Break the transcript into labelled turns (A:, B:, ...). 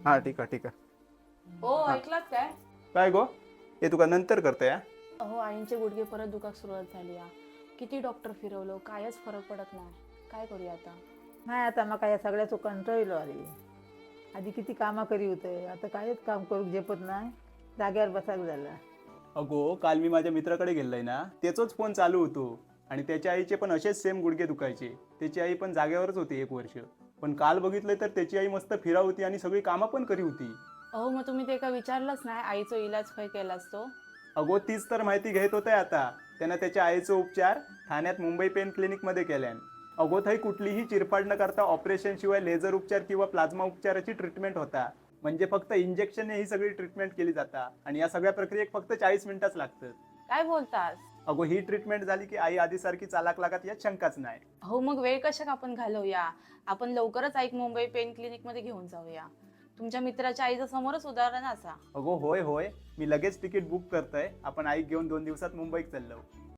A: हा ठीक आहे ठीक आहे.
B: हो ऐकलात काय?
A: काय गो, हे तुका नंतर करता या.
B: अहो आईंचे गुडघे परत दुखाक सुरुवात झाली या. किती डॉक्टर फिरवलं कायच फरक पडत नाही. काय करूया आता?
C: नाही आता मका या सगळ्याचो कंटाळलो अरे. आधी किती कामा करी होते, आता कायच काम करूक झेपत नाही, जाग्यावर बसाक झाला.
A: अगो काल मी माझ्या मित्राकडे गेलोय ना, त्याचोच फोन चालू होतो आणि त्याच्या आईचे पण असेच सेम गुडघे दुखायचे. त्याची आई पण जागेवरच होती 1 वर्ष. पण काल बघितलं तर त्याची आई मस्त फिरा होती आणि सगळी कामं पण करी होती.
B: अहो मग तुम्ही ते का विचारलंच नाही आईचा इलाज खय केलास तो?
A: अगो तीच तर माहिती घेत होते आता. त्यानं त्याच्या आईचा उपचार ठाण्यात मुंबई पेन क्लिनिकमध्ये केल्यान. अगो थंय कुठलीही चिरफाड न करता ऑपरेशन शिवाय लेझर उपचार किंवा प्लाझ्मा उपचाराची ट्रीटमेंट होता. म्हणजे फक्त इंजेक्शन ही सगळी ट्रीटमेंट केली जाता आणि या सगळ्या प्रक्रियेक फक्त 40 मिनिटच लागतात.
B: काय बोलतास?
A: अगो ही ट्रीटमेंट झाली की आई आधीसारखी चालाक लागत यात शंकाच नाही.
B: हो मग वेळ कशाक आपण घालवूया. आपण लवकरच ऐक मुंबई पेन क्लिनिक मध्ये घेऊन जाऊया. तुमच्या मित्राच्या आईचं समोरच उदाहरण असा.
A: अगो होय होय, मी लगेच तिकीट बुक करतोय. आपण आईक घेऊन 2 दिवसात मुंबईत चाललो.